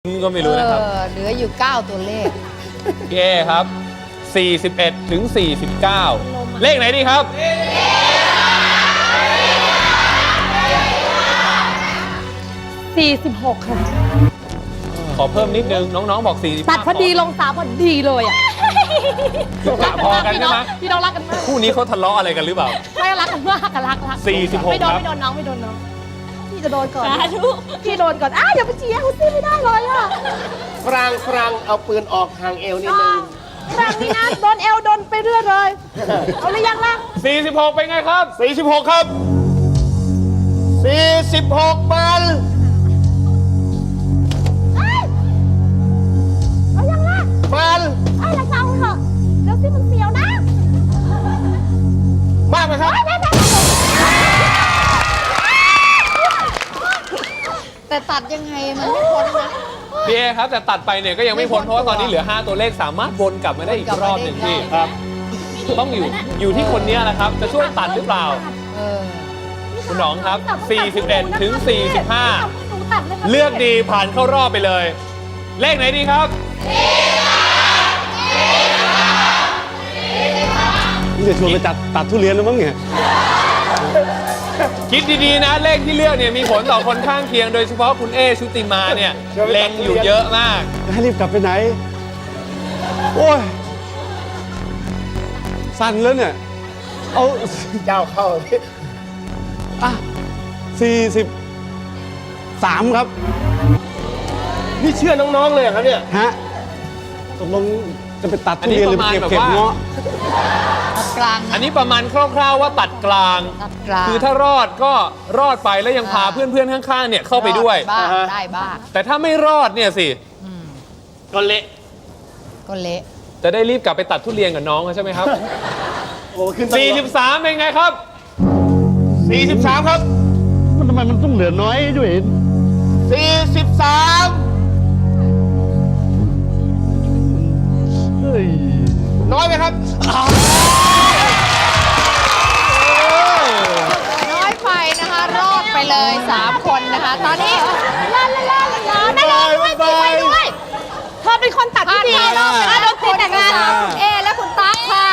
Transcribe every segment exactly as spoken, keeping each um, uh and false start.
ก็ไม่รู้นะครับเหลืออยู่เก้าตัวเลขพี่เอครับสี่สิบเอ็ดถึงสี่สิบเก้าเลขไหนดีครับสี่สิบหกค่ะขอเพิ่มนิดนึงน้องๆบอกสี่สิบตัดพอดีลงสามพอดีเลยอ่ะกะพอกันใช่ไหมพี่น้องรักกันมากคู่นี้เขาทะเลาะอะไรกันหรือเปล่าไม่รักกันมากกันรักรักสี่สิบหกไม่โดนครับไม่โดนน้องไม่โดนน้องพี่จะโดนก่อนสาธุพี่โดนก่อนอ้าวอย่าไปเชียร์เขาสิไม่ได้เลยอ่ะฟรังฟรังเอาปืนออกห่างเอวนิดนึงครั้งนี้นะโดนเอวโดนไปเรื่อยเลยเอาหรือยังล่ะสี่สิบหกเป็นไงครับสี่สิบหกครับสี่สิบหกมันเอายังล่ะมันไอ้ละเจ้าเถอะเดี๋ยวสิมันเสียวนะมากไหมครับแต่ตัดยังไงมันไม่พ้นนะพี่เอครับแต่ตัดไปเนี่ยก็ยังไม่พ้นเพราะว่าตอนนี้เหลือห้าตัวเลขสามารถวนกลับมาได้อีกรอบหนึ่งพี่ครับต้องอยู่อยู่ที่คนนี้แหละครับจะช่วยตัดหรือเปล่าเออคุณหนองครับสี่สิบเอ็ดถึงสี่สิบห้าหนูตัดเลยค่ะเลือกดีผ่านเข้ารอบไปเลย เลขไหนดีครับนี่จะชวนไปจัดตัดทุเรียนแล้วมั้งเนี่ยคิดดีๆนะเลขที่เลือกเนี่ยมีผลต่อคนข้างเคียงโดยเฉพาะคุณเอชุติมาเนี่ยเล็งอยู่เยอะมากจะให้รีบกลับไปไหน โอ้ย สั่นแล้วเนี่ย เอาเจ้าเข้าอ่ะสี่สิบสามครับนี่เชื่อน้องๆเลยเหรอครับเนี่ยฮะตกลงจะไปตัดทุเรียนหรือไปเก็บเก็บเงาะตัดกลางอันนะนี้ประมาณคร่าวๆว่าตัดกลางตัดกลางคือถ้ารอดก็รอดไปแล้วยังพาเพื่อนๆข้างๆเนี่ยเข้าไปด้วยบ้างอ่าฮะได้บ้างแต่ถ้าไม่รอดเนี่ยสิอืมก็เละก็เละจะได้รีบกลับไปตัดทุเรียนกับน้องเขาใช่ไหมครับโอ้ขึ้นตำรวจสี่สิบสามเป็นไงครับสี่สิบสามครับมันทำไมมันต้องเหลือน้อยด้วยสี่สิบสามเฮ้ยน้อยไหมครับน้อยไปนะคะ รอดไปเลยสามคนนะคะ ตอนนี้ลาลาลาลาลาได้เลยด้วยสิไปด้วยเธอเป็นคนตัดผ่าที่นดีเข้ารอบนะคะโดนติดแต่งงานคุณเอและคุณตั๊กค่ะ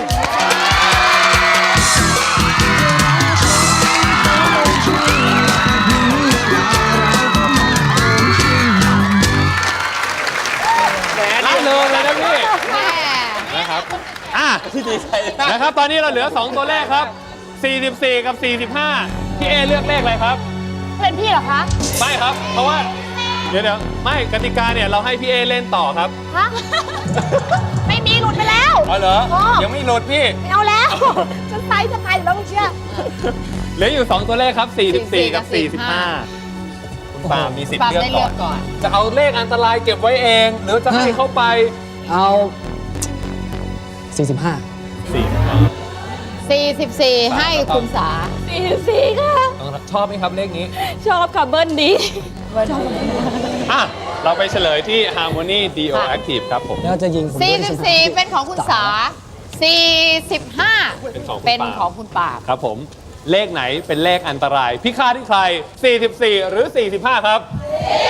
รับเลยเลยนะพี่แม่นะครับ อ่ะนะครับ ตอนนี้เราเหลือสองตัวเลขครับสี่สิบสี่กับสี่สิบห้าพี่เอเลือกเลขอะไรครับเป็นพี่เหรอคะไม่ครับ เพราะว่า เดี๋ยวเดี๋ยวไม่กติกาเนี่ยเราให้พี่เอเล่นต่อครับฮะ ไม่มีหลุดไปแล้วอ๋อเหรออ๋อยังไม่หลุดพี่ไม่เอาแล้ว ฉันไซส์จะไปอยู่แล้วมึงเชื่อเหลืออยู่สองตัวเลขครับสี่สิบสี่กับสี่สิบห้าคุณปาล์มมีสิทปาธิ์ล์มเลือกได้ก่เลืออน กก่อนจะเอาเลขอันตรายเก็บไว้เอง หรือจะให้เข้าไปเอาสี่สิบห้าสี่สี่สิบสี่ให้คุณสาสี่สี่ค่ะชอบไหมครับเลขนี้ชอบค่ะเบิ้ลดีอ่ะ เราไปเฉลยที่ Harmony Dio Active ครับผมแล้วจะยิงผมสี่ด้วยสิบใช่ไหมสี่เป็นของคุณสาสี่สิบห้าเป็นของคุณเป็นปาล์มของคุณปราบครับผมเลขไหนเป็นเลขอันตราย พิฆาตที่ใคร สี่สิบสี่ หรือ สี่สิบห้า ครับส